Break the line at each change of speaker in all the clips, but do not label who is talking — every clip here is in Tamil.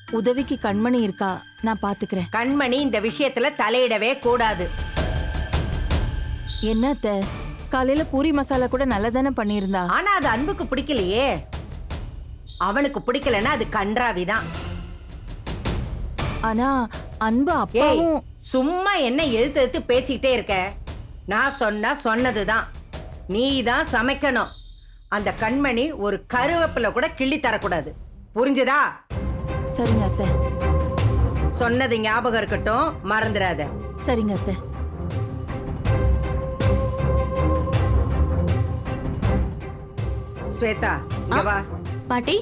உதவிக்கு கண்மணி இருக்கா, நான் பாத்துக்கிறேன்.
கண்மணி இந்த விஷயத்துல தலையிடவே கூடாது.
என்ன அத்தை, காலையில பூரி மசாலா கூட நல்லதானே பண்ணியிருந்தா.
ஆனா அது அன்புக்கு பிடிக்கலையே. அவனுக்கு பிடிக்கலன்னா அது கன்றாவிதான்.
ஆனா அன்பு அப்பாவும்
சும்மா என்ன எதிர்த்து எதிர்த்து பேசிக்கிட்டே இருக்க. நான் சொன்னதுதான். நீ தான் சமைக்கணும். அந்த கண்மணி ஒரு கருவேப்பிலை கூட கிள்ளி தரக்கூடாது. புரிஞ்சுதா?
சரிங்க அத்தை.
சொன்னது ஞாபகம் இருக்கட்டும், மறந்துடாத.
சரிங்க அத்தை.
ஸ்வேதா, இங்க வா.
பாட்டி,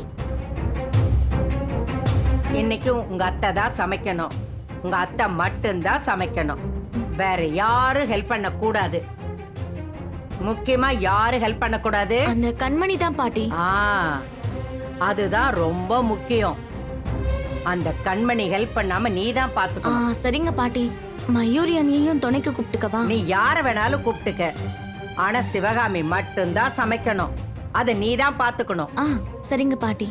இன்னைக்கும் உங்க அத்தை தான் சமைக்கணும். உங்க அத்தை மட்டும்தான் சமைக்கணும். வேற யாரும் ஹெல்ப் பண்ண கூடாது. முக்கியமா யாரும் ஹெல்ப் பண்ண கூடாது.
அந்த கண்மணி தான் பாட்டி.
அதுதான் ரொம்ப முக்கியம். அந்த கண்மணி ஹெல்ப் பண்ணாம நீ தான் பாத்துக்கணும்.
சரிங்க பாட்டி. மயூரி அண்ணியையும் துணைக்கு கூப்பிட்டுக்கவா?
நீ யார வேணாலும் கூப்பிட்டுக்க. ஆனா சிவகாமி மட்டும்தான் சமைக்கணும். அத நீ தான் பாத்துக்கணும்.
சரிங்க பாட்டி.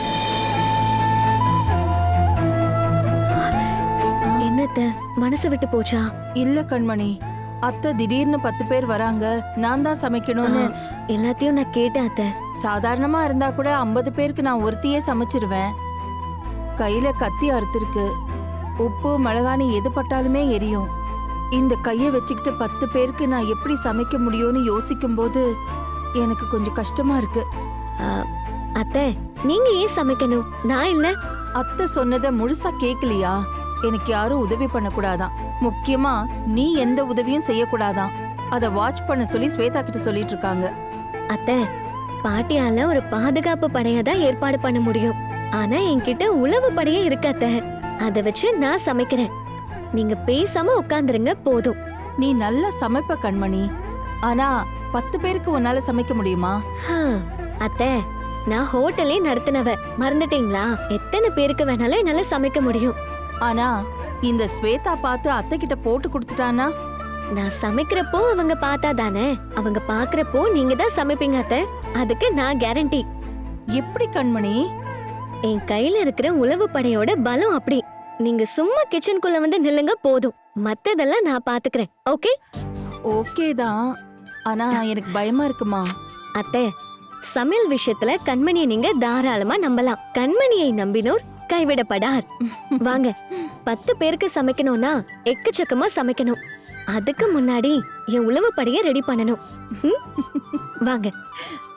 என்னத்த மனசு விட்டு போச்சா?
இல்ல கண்மணி, அத்தை திடீர்னு 10 பேர் வராங்க, நான் தான் சமைக்கணும்னு
எல்லாத்தையும் நான் கேட்டேன் அத்தை.
சாதாரணமா இருந்தா கூட 50 பேருக்கு நான் ஒருத்தியே சமைச்சிருவேன். கையில கத்தி அறுத்திருக்கு. உப்பு மிளகானி எது பட்டாலுமே எரியும். இந்த கையை வச்சுக்கிட்டு 10 பேருக்கு நான் எப்படி சமைக்க முடியும்னு யோசிக்கும் போது எனக்கு கொஞ்சம் கஷ்டமா இருக்கு.
அத்தை, நீங்க ஏன் சமைக்கணும்? நான் இல்ல.
அத்தை சொன்னதை முழுசா கேக்கலையா? எனக்கு யாரும் உதவி பண்ணக்கூடாதான். முக்கியமா நீ எந்த உதவியும் செய்யக்கூடாதான். அத வாட்ச் பண்ண சொல்லி ஸ்வேதா கிட்ட சொல்லிட்டு இருக்காங்க.
அத்தை, பாட்டியால ஒரு பாதுகாப்பு படையதான் ஏற்பாடு பண்ண முடியும். ஆனா என்கிட்ட உளவு படையே இருக்கு அத்தை. அத வச்சு நான் சமைக்கிறேன். நீங்க பேசாம உட்கார்ந்துருங்க போதும்.
நீ நல்லா சமைப்ப கண்மணி. ஆனா 10 பேருக்கு உன்னால சமைக்க முடியுமா?
அத்தை, நான் ஹோட்டலே நடத்தினவ. மறந்துட்டீங்களா? எத்தனை பேருக்கு வேணாலும் என்னால சமைக்க முடியும்.
ஆனா இந்த ஸ்வேதா பார்த்து அத்தை கிட்ட போட்டு கொடுத்துட்டானா?
நான் சமைக்கிறப்போ அவங்க பார்த்தா தானே. அவங்க பாக்குறப்போ நீங்க தான் சமைப்பீங்க அத்தை. அதுக்கு நான் கேரண்டி.
எப்படி கண்மணி?
என் கையில இருக்கிற உளவு படையோட பலம் அப்படி. நீங்க சும்மா கிச்சனுக்குள்ள வந்து நில்லுங்க போதும். மத்ததெல்லாம் நான் பாத்துக்கிறேன். ஓகே?
ஓகே தான். ஆனா எனக்கு பயமா இருக்குமா?
அத்தை, சமையல் விஷயத்துல கண்மணியை நீங்க தாராளமா நம்பலாம். கண்மணியை நம்பினோர் கைவிடப்படார். வாங்க, 10 பேருக்கு சமைக்கணும்னா எக்கச்சக்கமா சமைக்கணும். அதுக்கு முன்னாடி என் உளவு படையை ரெடி பண்ணணும். வாங்க.